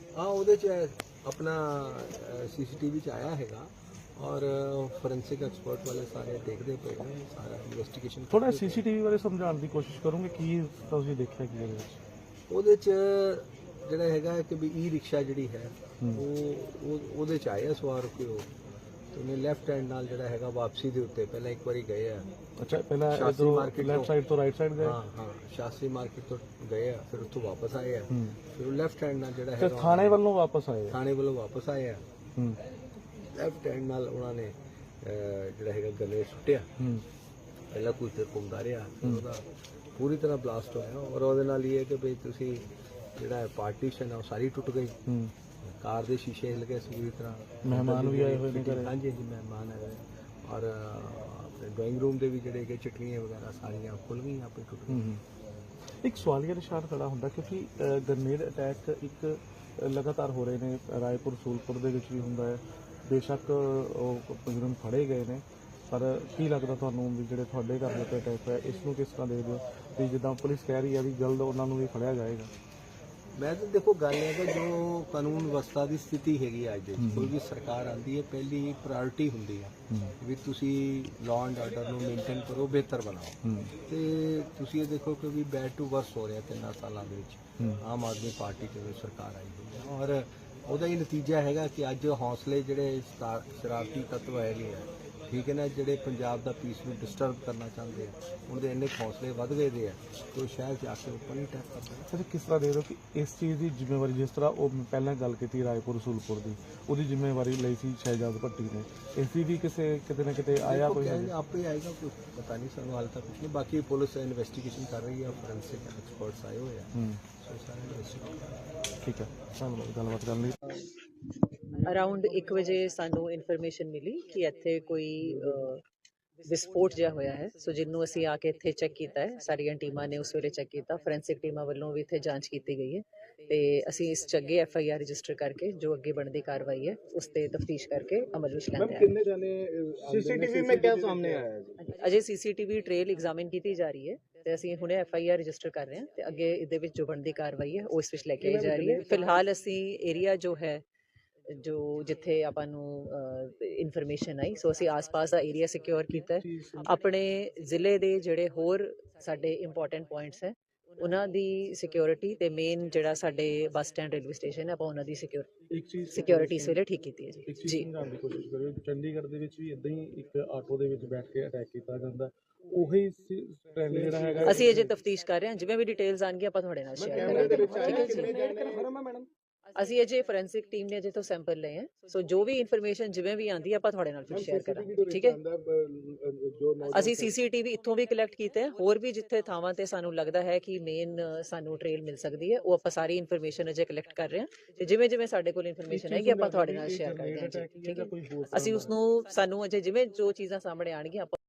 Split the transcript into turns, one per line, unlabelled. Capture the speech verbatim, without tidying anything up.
हाँ ਉਹਦੇ ਚ अपना सीसीटीवी च आया हैगा और ਫੋਰੈਂਸਿਕ ਐਕਸਪਰਟ ਵਾਲੇ ਸਾਰੇ ਦੇਖਦੇ ਪਏ ਨੇ ਸਾਰਾ ਇਨਵੈਸਟੀਗੇਸ਼ਨ
ਥੋੜਾ ਸੀਸੀਟੀਵੀ ਬਾਰੇ ਸਮਝਾਉਣ ਦੀ ਕੋਸ਼ਿਸ਼ ਕਰੋਗੇ ਕੀ ਤੁਸੀਂ ਦੇਖਿਆ ਕੀ ਇਹਦੇ ਵਿੱਚ
ਉਹਦੇ ਚ ਜਿਹੜਾ ਹੈਗਾ ਕਿ ਵੀ ਈ ਰਿਕਸ਼ਾ ਜਿਹੜੀ ਹੈ ਉਹ ਉਹ- ਉਹਦੇ ਚ ਆਇਆ ਸਵਾਰ ਕੇ ਉਹ ਤੇ ਉਹਨੇ ਲੈਫਟ ਹੈਂਡ ਨਾਲ ਜਿਹੜਾ ਹੈਗਾ ਵਾਪਸੀ ਦੇ ਉੱਤੇ ਪਹਿਲਾਂ ਇੱਕ ਵਾਰੀ ਗਏ ਆ
ਅੱਛਾ ਪਹਿਲਾਂ
ਸ਼ਾਸਤਰੀ
ਇਧਰੋਂ
ਮਾਰਕੀਟ
ਲੈਫਟ ਸਾਈਡ ਤੋਂ ਰਾਈਟ ਸਾਈਡ ਗਏ
ਹਾਂ ਹਾਂ ਸ਼ਾਸਤਰੀ ਮਾਰਕੀਟ ਤੋਂ ਗਏ ਆ ਫਿਰ ਉੱਥੋਂ ਵਾਪਸ ਆਏ ਆ ਫਿਰ ਉਹ ਲੈਫਟ ਹੈਂਡ ਨਾਲ ਜਿਹੜਾ
ਤੇ
ਹੈਗਾ
ਥਾਣੇ ਵੱਲੋਂ ਵਾਪਸ ਆਏ ਆ।
ਥਾਣੇ ਵੱਲੋਂ ਵਾਪਸ ਆਏ ਆ
ਹੂੰ
ਲੈਫਟ ਹੈਂਡ ਨਾਲ ਉਹਨਾਂ ਨੇ ਅਹ, ਜਿਹੜਾ ਹੈਗਾ ਗਲੇ ਸੁੱਟਿਆ
ਹੂੰ
ਪਹਿਲਾਂ ਕੁਝ ਦੇਰ ਘੁੰਮਦਾ ਰਿਹਾ ਫਿਰ ਉਹਦਾ ਪੂਰੀ ਤਰ੍ਹਾਂ ਬਲਾਸਟ ਹੋਇਆ ਔਰ ਉਹਦੇ ਨਾਲ ਇਹ ਹੈ ਕਿ ਵੀ ਤੁਸੀਂ ਜਿਹੜਾ ਪਾਰਟੀਸ਼ਨ ਆ ਉਹ ਸਾਰੀ ਟੁੱਟ ਗਈ
ਹੂੰ
ਕਾਰ ਦੇ ਸ਼ੀਸ਼ੇ ਹਿੱਲ ਗਏ ਪੂਰੀ ਤਰ੍ਹਾਂ
ਮਹਿਮਾਨ ਵੀ ਆਏ ਹੋਏ ਨੇ ਘਰੇ।
ਹਾਂਜੀ ਹਾਂਜੀ ਮਹਿਮਾਨ ਆਏ ਹੋਏ ਔਰ ਅਹ, ਆਪਣੇ ਡਰਾਇੰਗ ਰੂਮ ਦੇ ਵੀ ਜਿਹੜੇ ਕਿ ਚਟਨੀਆਂ ਵਗੈਰਾ ਸਾਰੀਆਂ ਖੁੱਲ ਗਈਆਂ ਆਪੇ ਟੁੱਟ ਗਈਆਂ
ਹੂੰ ਇੱਕ ਸਵਾਲੀਆ ਨਿਸ਼ਾਨ ਖੜਾ ਹੁੰਦਾ ਕਿਉਂਕਿ ਗ੍ਰਨੇਡ ਅਟੈਕ ਇੱਕ ਅ, ਲਗਾਤਾਰ ਹੋ ਰਹੇ ਨੇ ਰਾਏਪੁਰ ਸੂਲਪੁਰ ਦੇ ਵਿੱਚ ਵੀ ਹੁੰਦਾ ਹੈ ਬੇਸ਼ੱਕ ਉਹ ਮੁਜਰਮ ਫੜੇ ਗਏ ਨੇ ਪਰ ਕੀ ਲੱਗਦਾ ਤੁਹਾਨੂੰ ਵੀ ਜਿਹੜੇ ਤੁਹਾਡੇ ਘਰ ਦੇ ਉੱਤੇ ਅਟੈਕ ਹੋਇਆ ਇਸ ਨੂੰ ਕਿਸ ਤਰ੍ਹਾਂ ਦੇਖਦੇ ਹੋ ਵੀ ਜਿੱਦਾਂ ਪੁਲਿਸ ਕਹਿ ਰਹੀ ਹੈ ਵੀ ਜਲਦ ਉਹਨਾਂ ਨੂੰ ਵੀ ਫੜਿਆ ਜਾਏਗਾ।
ਮੈਂ ਤਾਂ ਦੇਖੋ ਗੱਲ ਹੈ ਕਿ ਜੋ ਕਾਨੂੰਨ ਵਿਵਸਥਾ ਦੀ ਸਥਿਤੀ ਹੈਗੀ ਅੱਜ ਦੇ ਵਿੱਚ, ਕੋਈ ਵੀ ਸਰਕਾਰ ਆਉਂਦੀ ਹੈ ਪਹਿਲੀ ਪ੍ਰਾਇੋਰਟੀ ਹੁੰਦੀ ਹੈ ਵੀ ਤੁਸੀਂ ਲਾਅ ਐਂਡ ਆਰਡਰ ਨੂੰ ਮੇਨਟੇਨ ਕਰੋ ਬਿਹਤਰ ਬਣਾਓ ਤੇ ਤੁਸੀਂ ਇਹ ਦੇਖੋ ਕਿ ਵੀ ਬੈਡ ਟੂ ਵਰਸ ਹੋ ਰਿਹਾ ਤਿੰਨਾਂ ਸਾਲਾਂ ਦੇ ਵਿੱਚ ਆਮ ਆਦਮੀ ਪਾਰਟੀ ਜਦੋਂ ਸਰਕਾਰ ਆਈ ਹੋਈ ਹੈ ਔਰ ਉਹਦਾ ਹੀ ਨਤੀਜਾ ਹੈਗਾ ਕਿ ਅੱਜ ਹੌਸਲੇ ਜਿਹੜੇ ਸਤਾ- ਸ਼ਰਾਰਤੀ ਤੱਤਵ ਹੈਗੇ ਆ ਠੀਕ ਹੈ ਨਾ ਜਿਹੜੇ ਪੰਜਾਬ ਦਾ ਪੀਸ ਨੂੰ ਡਿਸਟਰਬ ਕਰਨਾ ਚਾਹੁੰਦੇ ਆ ਉਹਦੇ ਇੰਨੇ ਕੁ ਹੌਸਲੇ ਵੱਧ ਗਏ ਦੇ ਆ ਕੋਈ ਸ਼ਹਿਰ ਜਾ ਕੇ ਉੱਪਰ ਹੀ ਅਟੈਕ ਕਰਦੇ ਆ।
ਅੱਛਾ ਕਿਸ ਤਰ੍ਹਾਂ ਦੇ ਰਹੇ ਹੋ ਕਿ ਇਸ ਚੀਜ਼ ਦੀ ਜ਼ਿੰਮੇਵਾਰੀ ਜਿਸ ਤਰ੍ਹਾਂ ਉਹ ਪਹਿਲਾਂ ਗੱਲ ਕੀਤੀ ਰਾਏਪੁਰ ਸੂਲਪੁਰ ਦੀ ਉਹਦੀ ਜ਼ਿੰਮੇਵਾਰੀ ਲਈ ਸੀ ਸ਼ਹਿਜਾਦ ਭੱਟੀ ਨੇ ਇਸ ਦੀ ਵੀ ਕਿਸੇ ਕਿਤੇ ਨਾ ਕਿਤੇ ਆਇਆ ਕੋਈ
ਕਹਿੰਦੇ ਆਪੇ ਆਏਗਾ ਕੁਝ ਪਤਾ ਨਹੀਂ ਸਾਨੂੰ ਹਾਲ ਤੱਕ ਕੁਝ ਨਹੀਂ ਬਾਕੀ ਪੁਲਿਸ ਇਨਵੈਸਟੀਗੇਸ਼ਨ ਕਰ ਰਹੀ ਹੈ ਫੋਰੈਂਸਿਕ ਐਕਸਪਰਟਸ ਆਏ ਹੋਏ ਆ
ਹੂੰ
ਸੋ ਸਾਰੇ ਇਨਵੈਸਟੀਗੇਸ਼ਨ
ਠੀਕ ਹੈ ਧੰਨਵਾਦ ਗੱਲਬਾਤ ਕਰਨ ਲਈ।
ਅਰਾਊਂਡ ਇੱਕ ਵਜੇ ਸਾਨੂੰ ਇਨਫੋਰਮੇਸ਼ਨ ਮਿਲੀ ਕਿ ਇੱਥੇ ਕੋਈ ਅ, ਵਿਸਫੋਟ ਜਿਹਾ ਹੋਇਆ ਹੈ ਸੋ ਜਿਹਨੂੰ ਅਸੀਂ ਆ ਕੇ ਇੱਥੇ ਚੈੱਕ ਕੀਤਾ ਹੈ ਸਾਰੀਆਂ ਟੀਮਾਂ ਨੇ ਉਸ ਵੇਲੇ ਚੈੱਕ ਕੀਤਾ ਫੋਰੈਂਸਿਕ ਟੀਮਾਂ ਵੱਲੋਂ ਵੀ ਇੱਥੇ ਜਾਂਚ ਕੀਤੀ ਗਈ ਹੈ ਤੇ ਅਸੀਂ ਇਸ 'ਚ ਅੱਗੇ ਐਫ ਆਈ ਆਰ ਰਜਿਸਟਰ ਕਰਕੇ ਜੋ ਅੱਗੇ ਬਣਦੀ ਕਾਰਵਾਈ ਹੈ ਉਸ ਤੇ ਤਫਤੀਸ਼ ਕਰਕੇ ਅਮਲ ਵਿੱਚ ਲੈਂਦੇ ਹਾਂ।
कितने जाने सीसीटीवी में क्या सामने आया है जी?
ਅਜੇ ਸੀਸੀਟੀਵੀ ਟ੍ਰੇਲ ਐਗਜ਼ਾਮਿਨ ਕੀਤੀ ਜਾ ਰਹੀ ਹੈ ਤੇ ਅਸੀਂ ਹੁਣੇ ਐਫ ਆਈ ਆਰ ਰਜਿਸਟਰ ਕਰ ਰਹੇ ਹਾਂ ਤੇ ਅੱਗੇ ਇਹਦੇ ਵਿੱਚ ਜੋ ਬਣਦੀ ਕਾਰਵਾਈ ਹੈ ਉਹ ਇਸ ਵਿੱਚ ਲੈ ਕੇ ਆਈ ਜਾ ਰਹੀ ਹੈ। ਫਿਲਹਾਲ ਅਸੀਂ ਏਰੀਆ ਜੋ ਹੈ ਜੋ ਜਿੱਥੇ ਆਪਾਂ ਨੂੰ ਇਨਫੋਰਮੇਸ਼ਨ ਆਈ ਸੋ ਅਸੀਂ ਆਸ-ਪਾਸ ਦਾ ਏਰੀਆ ਸਿਕਿਉਰ ਕੀਤਾ ਹੈ ਆਪਣੇ ਜ਼ਿਲ੍ਹੇ ਦੇ ਜਿਹੜੇ ਹੋਰ ਸਾਡੇ ਇੰਪੋਰਟੈਂਟ ਪੁਆਇੰਟਸ ਹੈ ਉਹਨਾਂ ਦੀ ਸਿਕਿਉਰਿਟੀ ਤੇ ਮੇਨ ਜਿਹੜਾ ਸਾਡੇ ਬੱਸ ਸਟੈਂਡ ਰੇਲਵੇ ਸਟੇਸ਼ਨ ਹੈ ਆਪਾਂ ਉਹਨਾਂ ਦੀ ਸਿਕਿਉਰ
ਇੱਕ ਚੀਜ਼
ਸਿਕਿਉਰਿਟੀ ਇਸ ਵੇਲੇ ਠੀਕ ਕੀਤੀ ਹੈ
ਇੱਕ
ਜੀ
ਚੀਜ਼
ਜੀ
ਸਮਝਾਉਣ ਦੀ ਕੋਸ਼ਿਸ਼ ਕਰਿਓ ਚੰਡੀਗੜ੍ਹ ਦੇ ਵਿੱਚ ਵੀ ਇਦਾਂ ਹੀ ਇੱਕ ਆਟੋ ਦੇ ਵਿੱਚ ਬੈਠ ਕੇ ਅਟੈਕ ਕੀਤਾ ਜਾਂਦਾ ਉਹੀ ਟ੍ਰੈਂਡ ਜਿਹੜਾ ਹੈਗਾ
ਅਸੀਂ ਅਜੇ ਤਫਤੀਸ਼ ਕਰ ਰਹੇ ਹਾਂ ਜਿਵੇਂ ਵੀ ਡਿਟੇਲਸ ਆਣਗੀਆਂ ਆਪਾਂ ਤੁਹਾਡੇ ਨਾਲ ਸ਼ੇਅਰ ਕਰਾਂਗੇ ਠੀਕ ਹੈ ਜੀ ਅਸੀਂ ਅਜੇ ਫੋਰੈਂਸਿਕ ਟੀਮ ਨੇ ਅਜੇ ਤੋਂ ਸੈਂਪਲ ਲਏ ਹੈ ਸੋ ਜੋ ਵੀ ਇਨਫੋਰਮੇਸ਼ਨ ਜਿਵੇਂ ਵੀ ਆਂਦੀ ਆਪਾਂ ਤੁਹਾਡੇ ਨਾਲ ਫਿਰ ਸ਼ੇਅਰ ਕਰਾਂਗੇ ਠੀਕ ਹੈ ਅਸੀਂ ਸੀਸੀਟੀਵੀ ਇੱਥੋਂ ਵੀ ਕਲੈਕਟ ਕੀਤੇ ਹੈ ਹੋਰ ਵੀ ਜਿੱਥੇ ਥਾਵਾਂ ਤੇ ਸਾਨੂੰ ਲੱਗਦਾ ਹੈ ਕਿ ਮੇਨ ਸਾਨੂੰ ਟ੍ਰੇਲ ਮਿਲ ਸਕਦੀ ਹੈ ਉਹ ਆਪਾਂ ਸਾਰੀ ਇਨਫੋਰਮੇਸ਼ਨ ਅਜੇ ਕਲੈਕਟ ਕਰ ਰਹੇ ਹਾਂ ਤੇ ਜਿਵੇਂ ਜਿਵੇਂ ਸਾਡੇ ਕੋਲ ਇਨਫੋਰਮੇਸ਼ਨ ਆਏਗੀ ਆਪਾਂ ਤੁਹਾਡੇ ਨਾਲ ਸ਼ੇਅਰ ਕਰਦੇ ਹਾਂ ਜੀ ਠੀਕ ਹੈ ਅਸੀਂ ਉਸ ਨੂੰ ਸਾਨੂੰ ਅਜੇ ਜਿਵੇਂ ਜੋ ਚੀਜ਼ਾਂ ਸਾਹਮਣੇ ਆਣਗੀਆਂ ਆਪਾਂ